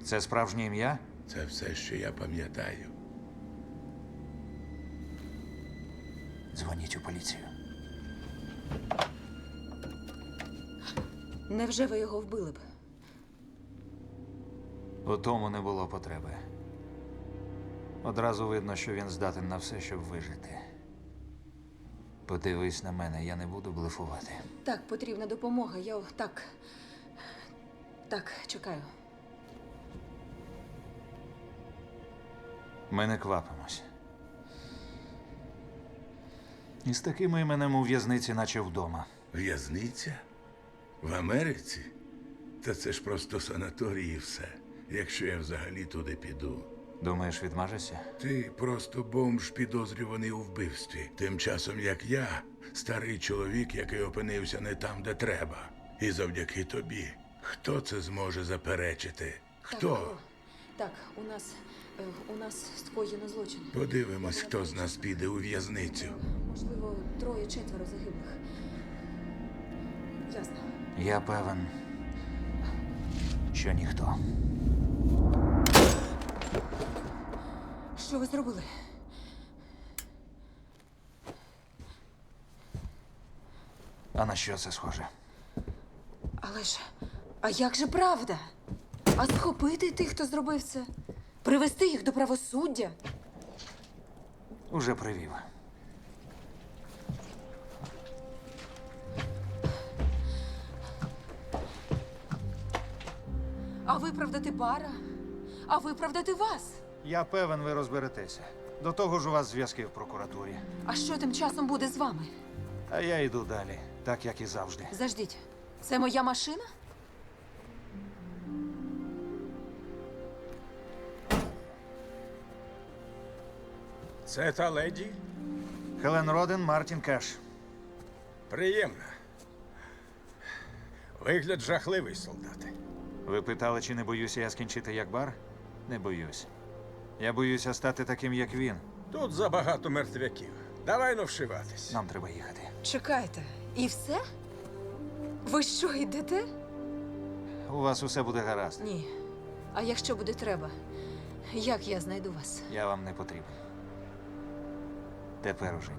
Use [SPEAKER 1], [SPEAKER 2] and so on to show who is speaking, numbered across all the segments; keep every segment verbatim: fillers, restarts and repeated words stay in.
[SPEAKER 1] Це справжнє ім'я?
[SPEAKER 2] Це все, що я пам'ятаю.
[SPEAKER 1] Дзвоніть у поліцію.
[SPEAKER 3] Невже ви його вбили б?
[SPEAKER 1] У тому не було потреби. Одразу видно, що він здатен на все, щоб вижити. Подивись на мене, я не буду блефувати.
[SPEAKER 3] Так, потрібна допомога. Я так. Так, чекаю.
[SPEAKER 1] Ми не квапимось. І з такими іменем у в'язниці, наче вдома.
[SPEAKER 2] В'язниця? В Америці? Та це ж просто санаторій і все. Якщо я взагалі туди піду.
[SPEAKER 1] Думаєш, відмажешся?
[SPEAKER 2] Ти просто бомж, підозрюваний у вбивстві. Тим часом, як я, старий чоловік, який опинився не там, де треба. І завдяки тобі. Хто це зможе заперечити? Хто?
[SPEAKER 3] Так, алло. Так, у нас. е, У нас скоєно злочин.
[SPEAKER 2] Подивимось, хто з нас піде у в'язницю.
[SPEAKER 3] Можливо, троє-четверо загиблих. Ясно.
[SPEAKER 1] Я певен, що ніхто.
[SPEAKER 3] Що ви зробили?
[SPEAKER 1] А на що це схоже?
[SPEAKER 3] Але ж. А як же правда? А схопити тих, хто зробив це? Привести їх до правосуддя?
[SPEAKER 1] Уже привів.
[SPEAKER 3] А виправдати Бара? А виправдати вас?
[SPEAKER 1] Я певен, ви розберетеся. До того ж у вас зв'язки в прокуратурі.
[SPEAKER 3] А що тим часом буде з вами?
[SPEAKER 1] А я йду далі, так як і завжди.
[SPEAKER 3] Заждіть, це моя машина?
[SPEAKER 4] Це та леді?
[SPEAKER 1] Хелен Роден, Мартін Кеш.
[SPEAKER 4] Приємно. Вигляд жахливий, солдати.
[SPEAKER 1] Ви питали, чи не боюся я скінчити як бар? Не боюсь. Я боюся стати таким, як він.
[SPEAKER 4] Тут забагато мертвяків. Давай ну вшиватись.
[SPEAKER 1] Нам треба їхати.
[SPEAKER 3] Чекайте, і все? Ви що, йдете?
[SPEAKER 1] У вас усе буде гаразд.
[SPEAKER 3] Ні. А якщо буде треба, як я знайду вас?
[SPEAKER 1] Я вам не потрібен. Тепер уже ні.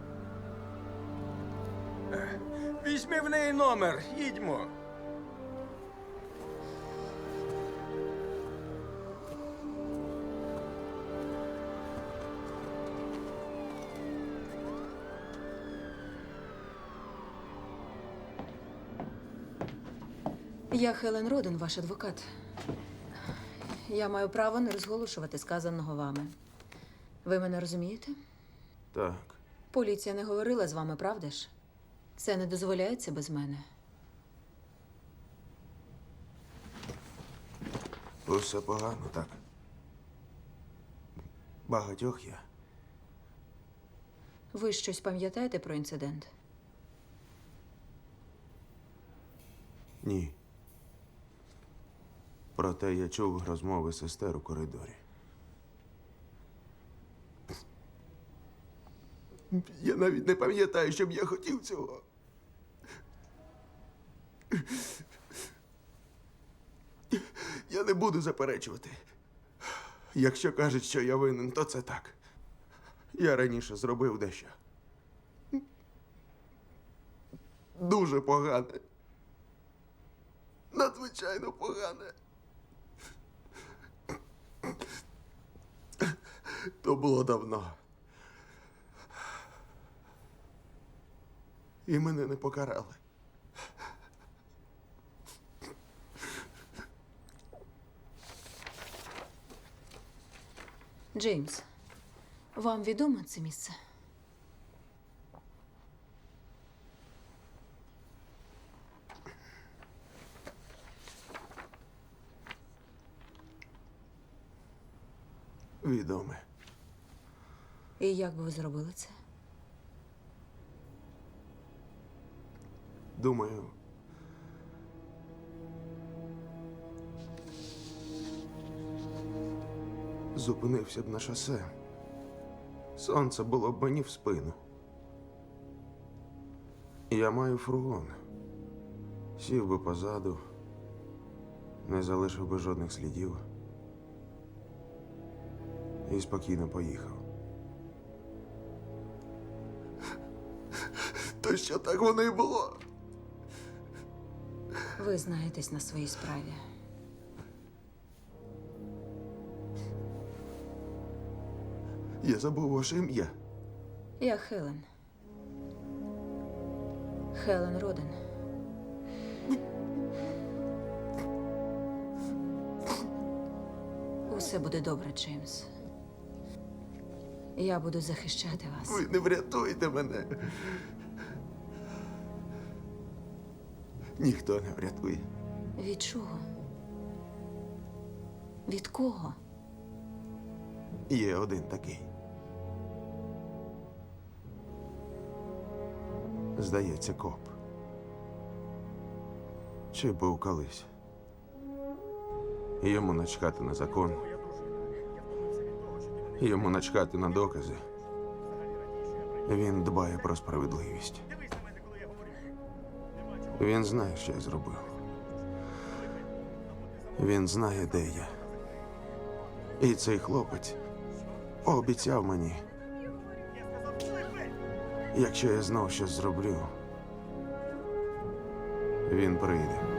[SPEAKER 4] Візьми в неї номер, їдьмо.
[SPEAKER 3] Я Хелен Роден, ваш адвокат. Я маю право не розголошувати сказаного вами. Ви мене розумієте?
[SPEAKER 5] Так.
[SPEAKER 3] Поліція не говорила з вами, правда ж? Це не дозволяється без мене.
[SPEAKER 5] Усе погано, так. Багатьох я.
[SPEAKER 3] Ви щось пам'ятаєте про інцидент?
[SPEAKER 5] Ні. Проте я чув розмови сестер у коридорі. Я навіть не пам'ятаю, щоб я хотів цього. Я не буду заперечувати. Якщо кажуть, що я винен, то це так. Я раніше зробив дещо. Дуже погане. Надзвичайно погане. То було давно. І мене не покарали.
[SPEAKER 3] Джеймс, вам відомо це місце?
[SPEAKER 5] Відоме.
[SPEAKER 3] І як би ви зробили це?
[SPEAKER 5] Думаю, зупинився б на шосе. Сонце було б мені в спину. Я маю фургон. Сів би позаду, не залишив би жодних слідів і спокійно поїхав. То що так воно і було?
[SPEAKER 3] Ви знаєтесь на своїй справі.
[SPEAKER 5] Я забув ваше ім'я.
[SPEAKER 3] Я Хелен. Хелен Роден. Усе буде добре, Джеймс. Я буду захищати вас.
[SPEAKER 5] Ви не врятуєте мене. Ніхто не врятує.
[SPEAKER 3] Від чого? Від кого?
[SPEAKER 5] Є один такий. Здається, коп. Чи був колись. Йому начхати на закон. Йому начхати на докази. Він дбає про справедливість. Він знає, що я зробив. Він знає, де я. І цей хлопець пообіцяв мені, якщо я знов щось зроблю, він прийде.